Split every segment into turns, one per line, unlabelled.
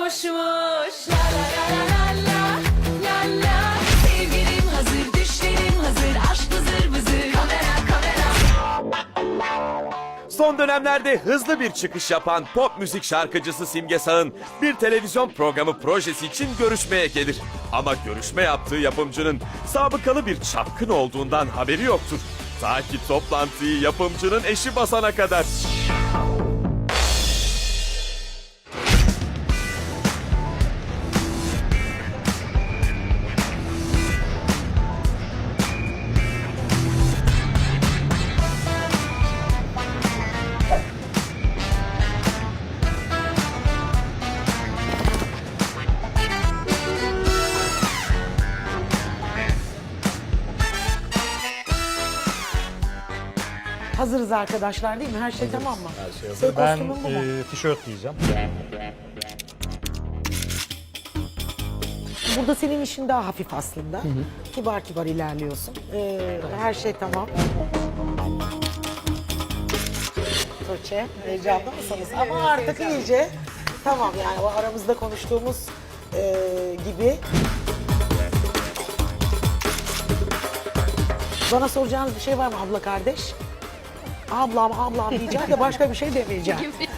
uçmuş. La la la la la la la. Sevgilim hazır, düşlerim hazır, aşk vızır vızır. Kamera kamera.
Son dönemlerde hızlı bir çıkış yapan pop müzik şarkıcısı Simge Sağ'ın bir televizyon programı projesi için görüşmeye gelir. Ama görüşme yaptığı yapımcının sabıkalı bir çapkın olduğundan haberi yoktur. Ta ki toplantıyı yapımcının eşi basana kadar.
Hazırız arkadaşlar değil mi? Her şey tamam mı?
Her şey hazır.
Senin
Ben
kostümün bu mu?
tişört giyeceğim.
Burada senin işin daha hafif aslında. Kibar kibar ilerliyorsun. Her şey tamam. Tuğçe, heyecanlı mısınız? Ama artık iyice tamam yani o aramızda konuştuğumuz gibi. Bana soracağınız bir şey var mı abla kardeş? Ablam diyeceğim de başka bir şey demeyeceğim.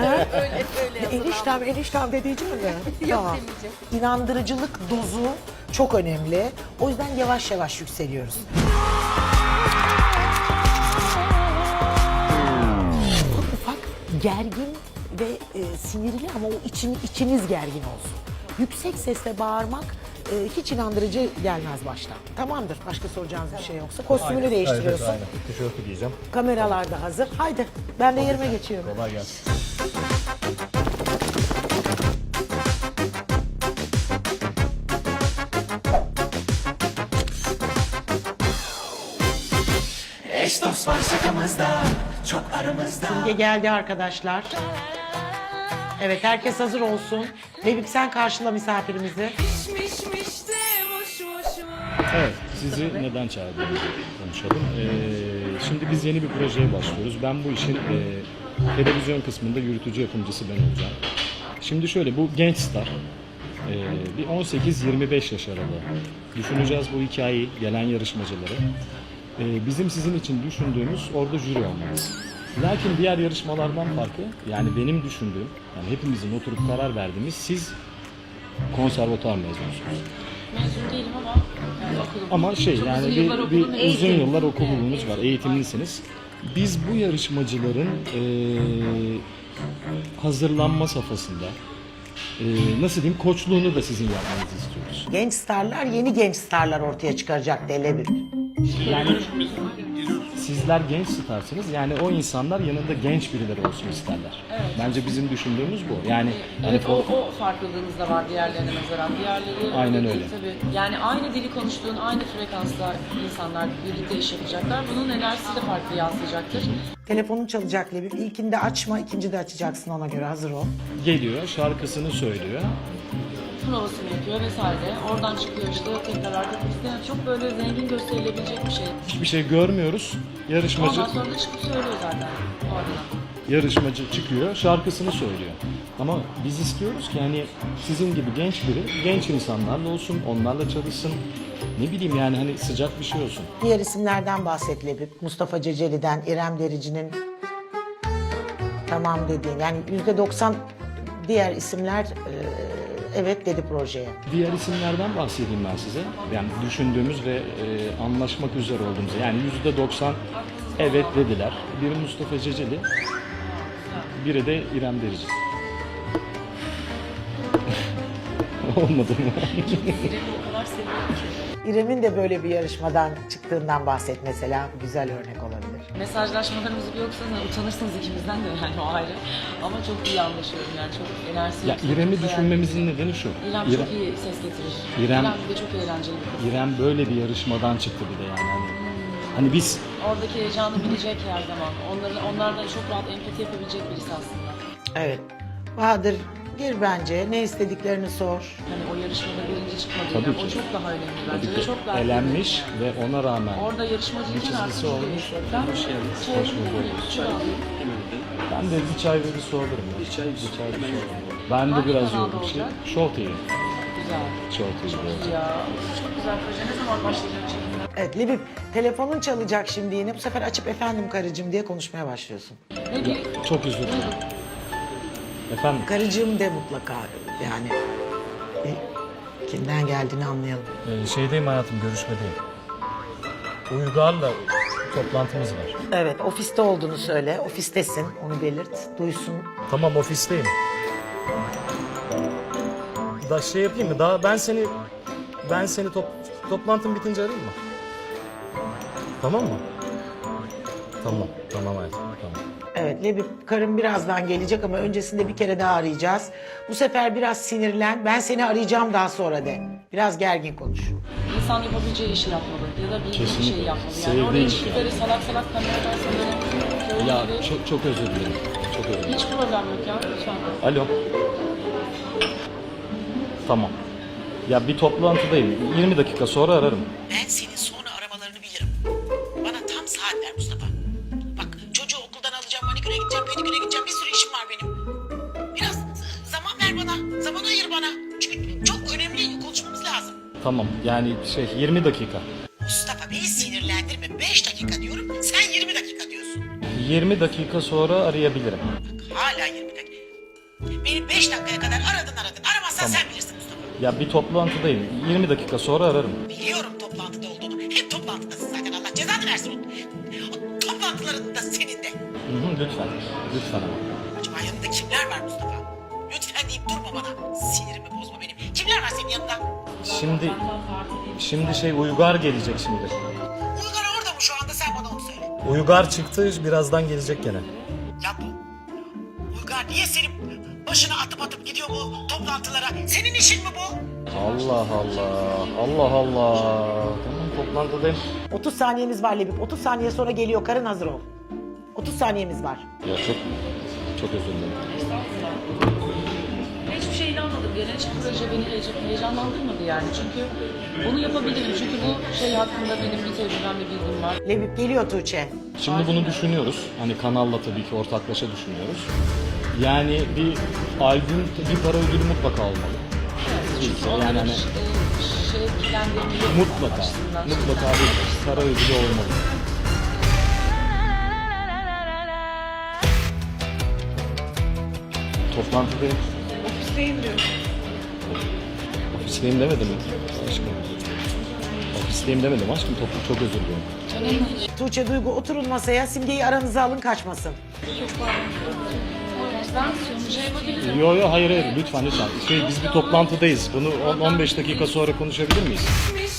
Eniştem de diyeceğim mi? Yok demeyeceğim. İnandırıcılık dozu çok önemli. O yüzden yavaş yavaş yükseliyoruz. Ufak gergin ve sinirli ama o içiniz gergin olsun. Yüksek sesle bağırmak hiç inandırıcı gelmez baştan. Tamamdır. Başka soracağınız bir şey yoksa. Kostümünü değiştiriyorsun.
Evet, aynen. Tişörtü giyeceğim.
Kameralar da hazır. Haydi ben de yerime geçiyorum.
Kolay gelsin.
Eş dost var şakamızda, çok aramızda.
Simge geldi arkadaşlar. Evet herkes hazır olsun. Lebip sen karşıla misafirimizi.
Pişmiş de muş muş muş.
Evet, sizi neden çağırdığımızı konuşalım. Şimdi biz yeni bir projeye başlıyoruz. Ben bu işin televizyon kısmında yürütücü yapımcısı ben olacağım. Şimdi şöyle, bu genç star. Bir 18-25 yaş aralığı. Düşüneceğiz bu hikayeyi, gelen yarışmacıları. Bizim sizin için düşündüğümüz orada jüri olmanız. Lakin diğer yarışmalardan farkı, yani benim düşündüğüm, yani hepimizin oturup karar verdiğimiz, siz konservatuar mezunusunuz.
Mezun değilim ama yani okulum.
Ama şey
Çok
yani
uzun yıllar okudum,
uzun
eğitim.
yıllar okulunuz var, eğitimlisiniz. Biz bu yarışmacıların hazırlanma safhasında, nasıl diyeyim, koçluğunu da sizin yapmanızı istiyoruz.
Genç starlar yeni genç starlar ortaya çıkaracak Lebip.
Yani sizler genç starsınız, yani o insanlar yanında genç birileri olsun isterler. Bence bizim düşündüğümüz bu. Yani
Evet,
hani
o farklılığınız da var diğerlerine nazaran. Diğerleri
Aynen
değil
öyle.
tabii. Yani aynı dili konuştuğun, aynı frekansla insanlar birlikte iş yapacaklar. Bunun enerjisi de farklı yansıyacaktır.
Telefonun çalacak Lebip. İlkinde açma, ikincide açacaksın ona göre hazır ol.
geliyor, şarkısını söylüyor.
Provasını yapıyor vesaire. Oradan çıkıyor işte tekrar arka kuliste. Yani çok böyle zengin gösterilebilecek bir şey.
Hiçbir şey görmüyoruz. Yarışmacı
Ondan sonra da çıkıp söylüyor zaten oradan.
yarışmacı çıkıyor, şarkısını söylüyor. Ama biz istiyoruz ki hani sizin gibi genç biri, genç insanlarla olsun, onlarla çalışsın. Ne bileyim yani hani sıcak bir şey olsun.
Diğer isimlerden bahset Lebip. Mustafa Ceceli'den, İrem Derici'nin tamam dediğin. Yani %90 diğer isimler evet dedi projeye.
Diğer isimlerden bahsedeyim ben size. Yani düşündüğümüz ve anlaşmak üzere olduğumuz. Yani %90 evet dediler. Biri Mustafa Ceceli, biri de İrem Derici. Olmadı mı?
İrem'i o kadar seviyorum ki.
İrem'in de böyle bir yarışmadan çıktığından bahset mesela. Güzel örnek olabilir.
Mesajlaşmalarımızı bir yoksanız utanırsınız ikimizden de yani o ayrı. Ama çok iyi anlaşıyorum yani çok enerjisi
Ya
yüksek,
İrem'i
çok
düşünmemizin nedeni şu.
İrem çok iyi ses getirir.
İrem-
Bir de çok eğlenceli bir kız.
İrem böyle bir yarışmadan çıktı bir de yani hani biz
Oradaki heyecanı bilecek her zaman. Onlardan çok rahat empati yapabilecek birisi aslında.
Evet. Bahadır gir bence. Ne istediklerini sor.
Hani o yarışmada birinci çıkmadı.
Tabii
Yani
ki.
o çok daha önemli bence.
tabii
Ve
ki
çok daha
elenmiş
önemli.
ve ona rağmen
Orada yarışmacı için artık
çizgisi olmuş.
Ben
Hoş geldiniz. Hoş bulduk.
Şöyle alayım.
Ben de bir çay ve bir su alırım. Bir çay bir su alırım. Ben de
Hangi
biraz
kanalda
yoğurdum.
olacak?
Show TV.
Güzel.
Show TV olacak.
Ya çok güzel proje. Ne zaman başlayacak çekimler?
Evet Lebip, telefonun çalacak şimdi yine. Bu sefer açıp efendim karıcığım diye konuşmaya başlıyorsun.
Ne diyeyim?
Çok özür dilerim. Efendim?
Karıcığım de mutlaka yani. Kimden geldiğini anlayalım.
Şeydeyim hayatım, görüşmedeyim. Uygar'la toplantımız var.
Evet, ofiste olduğunu söyle. Ofistesin, onu belirt. Duysun.
Tamam, ofisteyim. Da şey yapayım mı? Daha ben seni toplantın bitince arayayım mı? Tamam mı? Tamam hayatım. Tamam.
Evet, Lebip karım birazdan gelecek ama öncesinde bir kere daha arayacağız. Bu sefer biraz sinirlen. Ben seni arayacağım daha sonra de. Biraz gergin konuş.
İnsan yapabileceği işi yapmalı ya da bildiği bir
Kesinlikle.
şey yapmalı. Yani
Sevdiği
oraya
iş
çıkıp
yani.
böyle salak salak kameradan böyle
Ya
gibi.
çok özür dilerim. Çok özür dilerim.
Hiç problem yok ya lütfen.
Alo. Tamam. Ya bir toplantıdayım. 20 dakika sonra ararım.
Ben senin sonra aramalarını bilirim. Bana tam saat ver Mustafa. Bak çocuğu okuldan alacağım, maniküre gideceğim, pediküre gideceğim. Bir sürü işim var benim. Biraz zaman ver bana, zaman ayır bana. Çünkü çok önemli konuşmamız lazım.
Tamam. Yani 20 dakika.
Mustafa beni sinirlendirme. 5 dakika diyorum, sen 20 dakika diyorsun.
20 dakika sonra arayabilirim.
Bak hala 20 dakika. Beni 5 dakikaya kadar aradın. Aramazsan sen bilirsin Mustafa.
Ya bir toplantıdayım. 20 dakika sonra ararım.
Biliyorum toplantıda olduğunu. Hep toplantıdasın zaten, Allah cezanı versin. O toplantılarında senin de.
Hı, lütfen. Lütfen ama.
Acaba yanında kimler var Mustafa? Lütfen deyip durma bana. Sinirimi bozma benim. Kimler var senin yanında?
Şimdi Uygar gelecek şimdi.
Uygar orada mı şu anda, sen bana onu söyle.
Uygar çıktı, birazdan gelecek gene.
Ya bu Uygar niye senin başına atıp gidiyor bu toplantılara? Senin işin mi bu?
Allah Allah. Allah Allah. Tamam, toplantıdayım.
30 saniyemiz var Lebip. 30 saniye sonra geliyor. Karın hazır ol. 30 saniyemiz var.
Ya çok özür dilerim.
Hiçbir şey inanmadım. Gelen hiçbir proje beni heyecanlandırmadı yani. Çünkü bunu yapabilirim. Çünkü bu şey hakkında benim bir tecrübem, bir bilgim var.
Lebip geliyor Tuğçe.
Şimdi bunu düşünüyoruz. Hani kanalla tabii ki ortaklaşa düşünüyoruz. Yani bir albüm, bir para ödülü mutlaka olmalı.
Çünkü
Yani
onların
hani
şevklendirmeyi
mutlaka bir para ödülü olmalı. Toplantıdayım.
Ofisteyim diyor.
Ofisteyim demedim mi? Aşkım. Ofisteyim demedim aşkım. Çok özür dilerim.
Tuğçe, Duygu oturun masaya. Simge'yi aranıza alın, kaçmasın.
Ben sonucu yapabilirim.
Yo hayır lütfen. Biz bir toplantıdayız. Bunu 15 dakika sonra konuşabilir miyiz?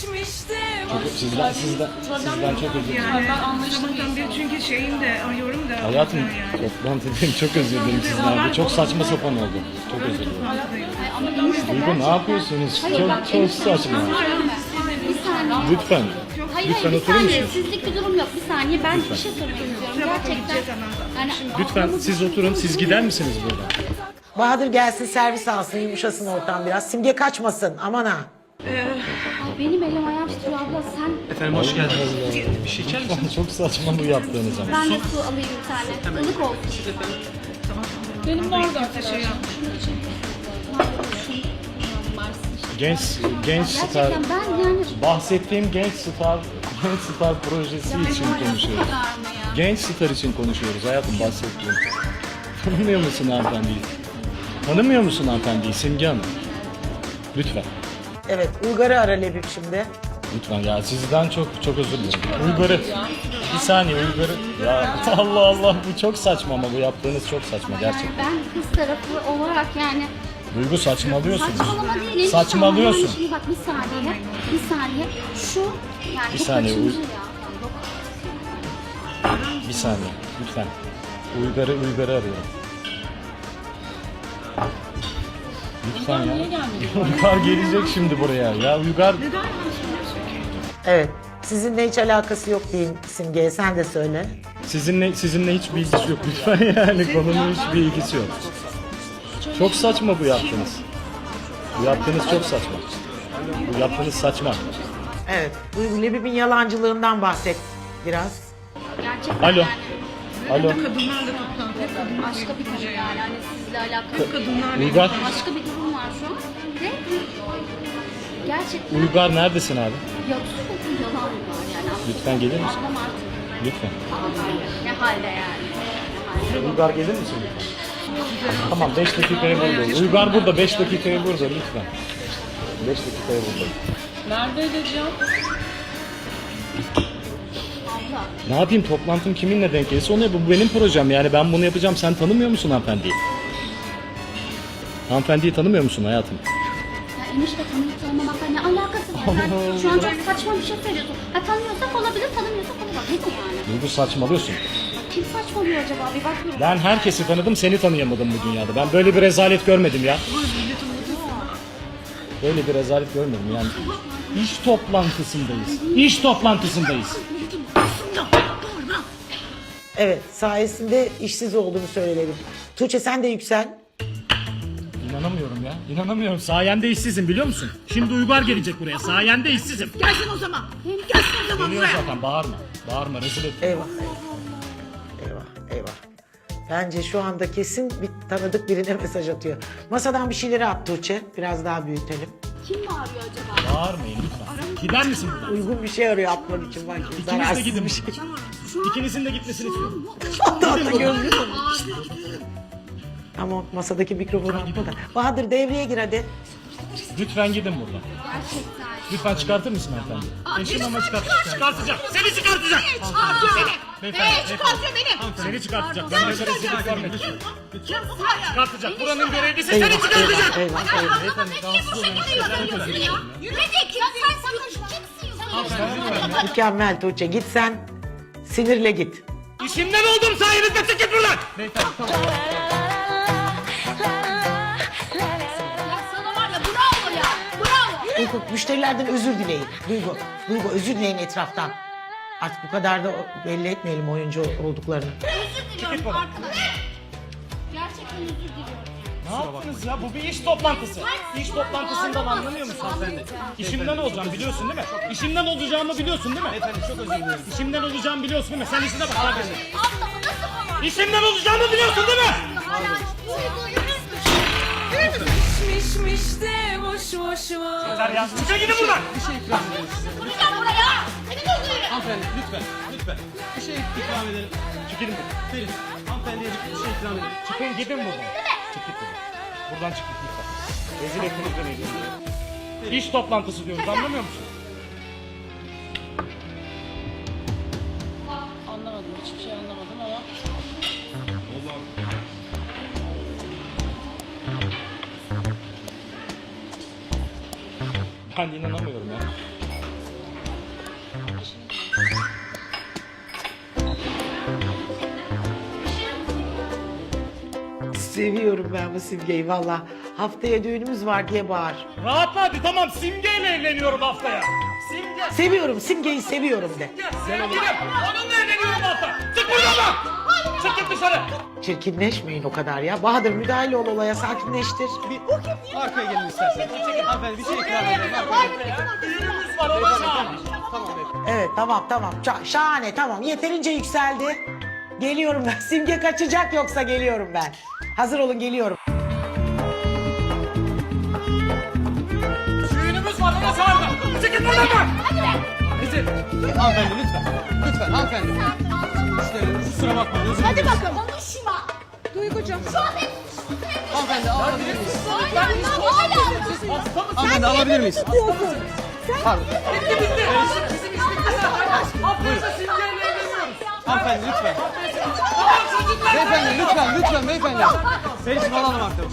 Sizden çok özür dilerim.
Ben anlayışlı bir
Sabahtan beri çünkü şeyim de arıyorum da.
Hayatım
yani.
toplantıdayım. Çok özür dilerim sizden. Bu çok saçma sapan oldu. Çok özür dilerim. Duygu ne yapıyorsunuz? Çok saçma.
Bir saniye.
Lütfen.
Hayır,
Lütfen
bir
oturur
saniye.
musunuz?
Sizlik bir durum yok. Bir saniye. Ben bir şey sormak istiyorum. Gerçekten. Yani,
Lütfen siz oturun. Siz gider misiniz buradan?
Bahadır gelsin, servis alsın, yumuşasın ortam biraz. Simge kaçmasın, aman ha.
benim elim ayağım titriyor abla. Sen
Efendim hoş geldiniz. Bir şey içer misin? Çok saçma bu yaptığınız ama.
ben de su alayım bir tane. Ilık olsun.
benim vardı arkadaşlar.
Genç star.
Gerçekten ben yani
Bahsettiğim genç star projesi için konuşuyoruz. Genç star için konuşuyoruz hayatım, bahsettiğim. Tanımıyor musun hanımefendiyi? Tanımıyor musun hanımefendiyi Simge Hanım? Lütfen.
Evet, Uygar'ı ara Lebip şimdi.
Lütfen ya, sizden çok özür dilerim. Uygar'ı. Bir saniye Uygar'ı. Ya Allah Allah, bu çok saçma ama bu yaptığınız çok saçma gerçekten.
ben kız tarafı olarak yani
Duygu saçmalıyorsun.
saçmalama değil.
Saçmalıyorsun.
Şimdi bak bir saniye. Şu yani
Bir
bu
saniye,
kaçıncı ya?
Bir saniye lütfen. Uygar'ı arıyorum. Lütfen ya.
Niye gelmedi?
Uygar gelecek şimdi buraya. Ya Uygar
Evet, sizinle hiç alakası yok diyeyim Simge'ye, sen de söyle.
sizinle hiç bir ilgisi yok lütfen yani konunun hiçbir ilgisi yok. Çok saçma bu yaptığınız. Bu yaptığınız çok saçma. Bu yaptığınız saçma.
Evet, Duygu, Lebip'in yalancılığından bahset biraz.
Gerçekten
Alo.
yani.
Alo.
Kadınlarla toplantı.
başka bir konu yani. Hani sizle alakalı.
Kadınlar
Uygar,
Başka bir durum var şu an. Ve gerçekten
Uygar neredesin abi?
yalan var yani.
Lütfen gelir misin?
Adam artık
Lütfen.
ne halde yani.
Uygar gelir misin lütfen? Tamam 5 dakikaya buradayım. Uygar burada 5 dakikaya burada lütfen. 5 dakikaya buradayım.
Nerede edeceğim?
Ne yapayım toplantım kiminle denk gelirse onu yapayım. Bu benim projem yani ben bunu yapacağım. Sen tanımıyor musun hanımefendiyi? Hanımefendiyi tanımıyor musun hayatım?
Ya enişte tanıyıp tanımamakla ne alakası var? Sen şu an çok saçma bir şey söylüyorsun. Ha tanıyorsak olabilir, tanımıyorsak olamaz. Ne bu yani?
Duygu saçmalıyorsun.
Kim saçmalıyor acaba? Bir bakıyorum.
Ben herkesi tanıdım seni tanıyamadım bu dünyada. Ben böyle bir rezalet görmedim ya. Böyle bir rezalet görmedim yani. İş toplantısındayız. İş toplantısındayız.
Evet, sayesinde işsiz olduğunu söyleyelim. Tuğçe sen de yüksel.
İnanamıyorum ya. İnanamıyorum. Sayende işsizim biliyor musun? Şimdi Uygar gelecek buraya. Sayende işsizim.
Gelsin o zaman. Gelsin o zaman
Geliyor
buraya.
zaten. Bağırma. Bağırma. Rezil et.
Eyvah. Eyvah. Bence şu anda kesin bir tanıdık birine mesaj atıyor. Masadan bir şeyleri at Tuğçe. Biraz daha büyütelim.
Kim bağırıyor acaba?
Bağırmayın lütfen. Gider misin buradan?
Uygun bir şey arıyor atmak için bak.
İkiniz de
Zararsız
gidin.
bir şey.
İkinizin de gitmesini istiyorum.
Hatta gözlüğü. Ama masadaki mikrofonu atma da. Bahadır devreye gir hadi.
Lütfen gidin buradan.
Gerçekten.
Lütfen çıkartır mısın hanımefendi? Eşim ama çıkartacak. Seni çıkartacak.
Beni çıkartıyor beni.
Seni çıkartacak. Ben böyle rezillik görmedim. Çıkartacak. Buranın görevlisi
Eyvah,
seni çıkartacak.
eyvah.
Beyefendi rahatsız oluyorum.
Yürüyecek ya sen sakın kimsin?
Mükemmel Tuğçe. Git sen. Sinirle git.
İşimden oldum sayenizde çıkın buradan. Beyefendi tamam.
Ya sana var ya bravo ya. Bravo.
Duygu, müşterilerden özür dileyin. Duygu özür dileyin etraftan. Artık bu kadar da belli etmeyelim oyuncu olduklarını.
Özür diliyorum arkadaşlar. Gerçekten özür diliyorum.
Ne yaptınız ya? Bu bir iş toplantısı. İş toplantısından anlamıyor musun hanımefendi? İşimden olacağım biliyorsun değil mi? İşimden olacağımı biliyorsun değil mi? Efendim çok özür dilerim. İşimden olacağımı biliyorsun değil mi? Sen işine bak kardeşim.
Allah'ım nasıl ama?
İşimden olacağımı biliyorsun değil mi?
Mişmiş de boş boş var.
Yeter ya. Çıkın gidin buradan.
Vuracağım buraya. Seni de öldürürüm.
Hanımefendi lütfen. Bir şey ikram edelim.
Çıkın buradan.
Ferit, hanımefendiye bir şey ikram edelim.
Çıkın gidin buradan. Çık git buradan. Buradan çık git lütfen. Rezil ettiniz beni. İş toplantısı diyoruz anlamıyor musun?
Anlamadım. Hiçbir şey anlamadım ama.
Ben inanamıyorum ya.
Seviyorum ben bu Simge'yi valla. Haftaya düğünümüz var diye bağır.
Rahatla hadi tamam Simge'yle evleniyorum haftaya. Simge.
Seviyorum Simge'yi seviyorum de.
Sevgilim. Onunla evleniyorum hafta. Çık buradan. Çık git dışarı.
Çirkinleşmeyin o kadar ya. Bahadır müdahale ol olaya sakinleştir.
Arkaya gelin isterseniz. Hanımefendi bir şey ikram edelim.
Düğünümüz var ona çağır.
Tamam beyefendi.
Evet tamam. Şahane tamam. Yeterince yükseldi. Geliyorum ben. Simge kaçacak yoksa geliyorum ben. Hazır olun geliyorum.
Düğünümüz var ona çağır. Çık git buradan bak.
Hanımefendi lütfen hanımefendi. İşte kusura bakmayın özür dilerim.
Hadi bakalım. Konuşma.
Duygucuğum.
Şu an hep
Hanımefendi alabilir miyiz?
hala.
Hanımefendi alabilir miyiz? Pardon. Hanımefendi lütfen. Beyefendi lütfen beyefendi. Ferit'im alalım arkadaşlar.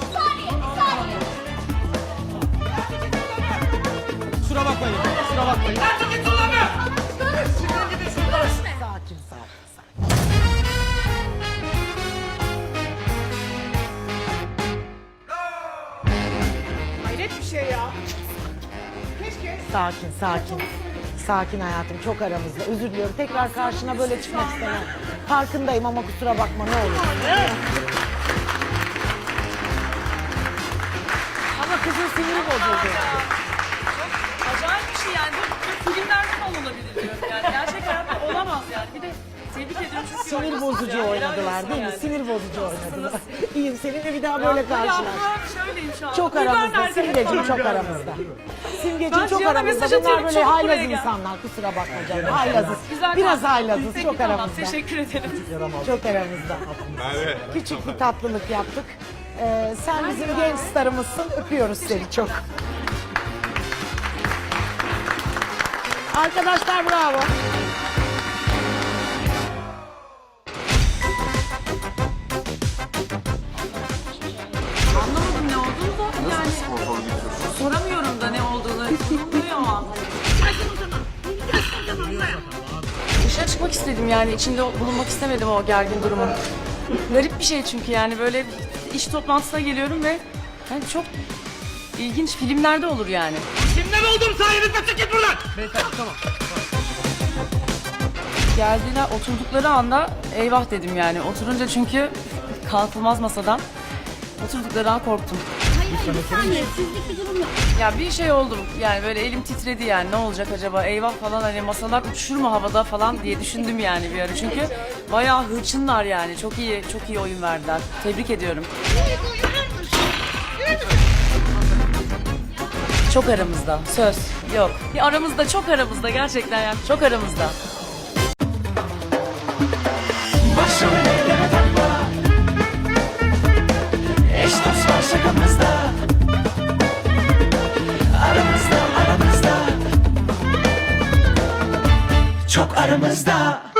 Kusura bakmayın.
Çık git buradan be. Çıkın gidin şuradan.
Sakin.
Hayret bir şey ya. Keşke.
Sakin hayatım çok aramızda. Özür diliyorum. Tekrar karşına böyle çıkmak istemem. Farkındayım ama kusura bakma ne olur. Ama kızın siniri bozuldu.
Acayip bir şey yani. Bu filmlerde falan olabilir diyorum yani. Gerçek hayatta olamaz yani. Bir de tebrik ediyorum çünkü
sinir bozucu oynadılar değil mi? Sinir bozucu oynadılar. İyiyim, seninle bir daha böyle karşılaş.
Şöyleyim şu an.
Çok aramızda, Simgeciğim çok aramızda. Simgeciğim çok
Cihan'a
aramızda.
mesaj
Bunlar
atıyorum,
böyle
çabuk
haylaz
buraya gel.
insanlar, kusura bakma canım. Haylazız.
Güzel
Biraz
kaldı.
haylazız,
Peki,
çok
tamam,
aramızda.
teşekkür ederim.
Çok aramızda. Küçük bir tatlılık yaptık. Sen bizim genç starımızsın, öpüyoruz seni çok. Arkadaşlar bravo.
Anlamadım ne olduğunu da yani. Soramıyorum da ne olduğunu. Bulunmuyor o an. Dışarı çıkmak istedim yani. İçinde bulunmak istemedim o gergin durumun. Garip bir şey çünkü yani böyle iş toplantısına geliyorum ve yani çok ilginç filmlerde olur yani.
Kimden oldum sayenizde, çık git buradan. Beyefendi tamam.
Geldiler oturdukları anda eyvah dedim yani. Oturunca çünkü kalkılmaz masadan. Oturdukları an korktum.
Hayır bir saniye sizlik bir durum yok.
Ya bir şey oldum yani böyle elim titredi yani ne olacak acaba eyvah falan hani masalar uçuşur mu havada falan diye düşündüm yani bir ara. Çünkü bayağı hırçınlar yani çok iyi oyun verdiler. Tebrik ediyorum. Çok aramızda söz yok. Bir aramızda çok aramızda gerçekten yani çok aramızda.
Başrol eyleme takma. Eş dost var şakamızda. Aramızda. Çok aramızda.